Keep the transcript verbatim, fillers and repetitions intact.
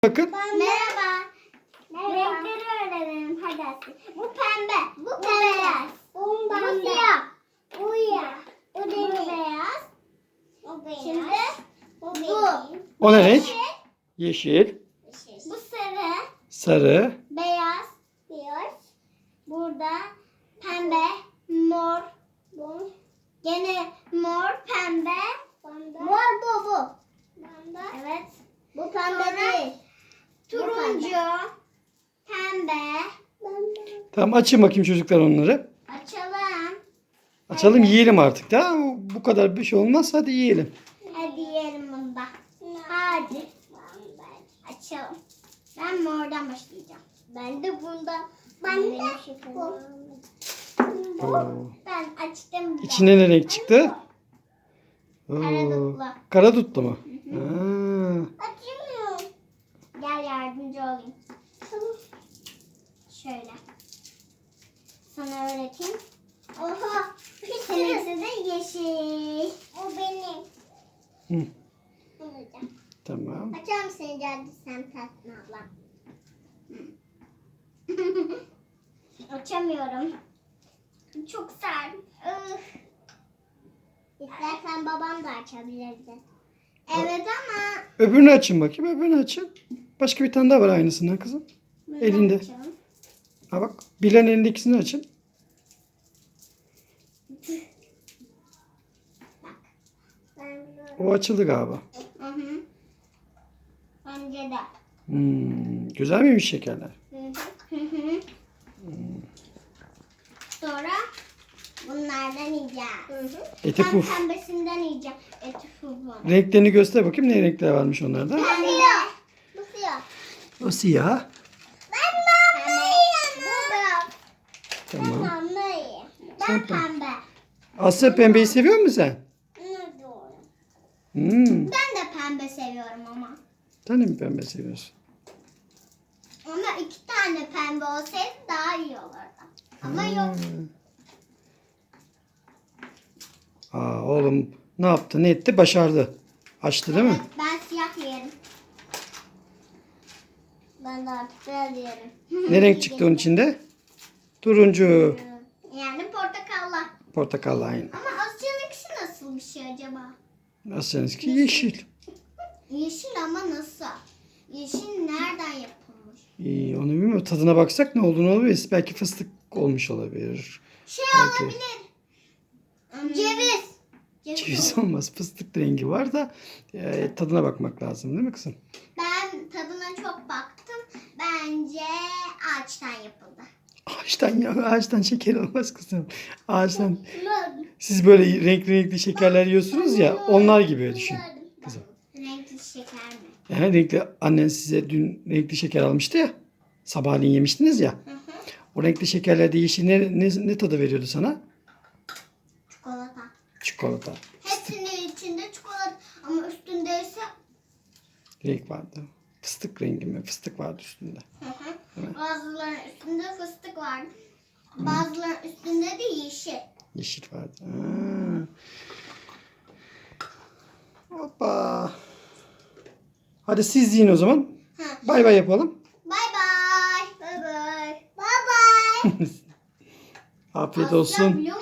Bakın. Merhaba. Merhaba. Renkleri öğrenelim hadi Aslı. Bu pembe, bu, bu beyaz, bu pembe, siyah, bu siyah, bu beyaz, bu beyaz. Şimdi bu, bu. O ne renk? Yeşil, Yeşil, bu sarı, sarı, beyaz, beyaz. Burada pembe, mor, bu. Gene mor, pembe, pembe. Mor bu bu. Pembe. Evet. Bu pembe değil. Turuncu, pembe. Tamam, açın bakayım çocuklar onları. Açalım. Açalım, yiyelim artık da. Bu kadar bir şey olmaz. Hadi yiyelim. Hadi yiyelim bunu da. Hadi. Açalım. Ben mordan başlayacağım. Ben de bundan. Ben de bu. Oo. Ben açtım. bile. İçine ne renk çıktı? Oo. Karadutlu. Karadutlu mu? Ha. Açmıyor. Gel yardımcı olayım. Şöyle. Sana öğreteyim. Oha. Seninkisi de yeşil. O benim. Hı. Olacak. Tamam. Açar mısın geldi sen Tatlı abla? Açamıyorum. Çok sert. Üf. İstersen babam da açabilirdi. Evet ama. Öbürünü açın bakayım. Öbürünü açın. Başka bir tane daha var aynısından kızım. Bunu Elinde. açalım. Ha bak. Bilen elindekisini açın. Ben böyle- O açıldı galiba. Hı hı. Bence de. Hmm, güzel miymiş şekerler? Hı hı. Hı hı. Sonra bunlardan yiyeceğiz. Hı hı. Eti Ben puf. pembesinden yiyeceğim. Eti puf. Renklerini göster bakayım. Ne renkler varmış onlarda? Bu siyah. Bu siyah. O siyah. Ben pembe yiyeyim. Bu beyaz. Tamam. Ben pembe yiyeyim. Ben Sen pembe. pembe. Asya, pembeyi seviyor musun sen? Ne doğru. Hmm. Ben de pembe seviyorum ama. Sen de mi pembe seviyorsun? Ama iki tane pembe olsaydı daha iyi olurdu. Ama yok. Aa, oğlum ne yaptı, ne etti? Başardı. Açtı değil mi? Evet, ben siyah yerim. Ben de artık beyaz yerim. Ne renk çıktı onun içinde? Turuncu. Yani portakalla. Portakal aynı. Ama Asya'nınkisi nasıl bir şey acaba? Asya'nınki yeşil. Yeşil ama nasıl? Yeşil nereden yapılmış? İyi, onu bilmiyorum. Tadına baksak ne olduğunu olabilir. Belki fıstık olmuş olabilir. Şey Belki. olabilir. Ceviz. Ceviz. Ceviz olmaz. Fıstık rengi var da e, tadına bakmak lazım değil mi kızım? Ben tadına çok baktım. Bence ağaçtan yapıldı. Ağaçtan ya, ağaçtan şeker olmaz kızım. Ağaçtan. Siz böyle renkli renkli şekerler yiyorsunuz ya, onlar gibi düşün kızım. Renkli şeker mi? Yani renkli, annen size dün renkli şeker almıştı ya. Sabahleyin yemiştiniz ya. Hı hı. O renkli şekerler değişik ne, ne, ne tadı veriyordu sana? Çikolata. Çikolata. Hepsinin içinde çikolata ama üstünde ise Renk vardı. Fıstık rengi mi? Fıstık vardı üstünde. hı hı. Bazılarının üstünde fıstık var. Bazılarının üstünde de yeşil. Yeşil vardı. Ha. Hoppa. Hadi siz yiyin o zaman. Hı. Bay bay yapalım. Bay bay. Bay bay. Bay bay. Afiyet Asya olsun. biliyor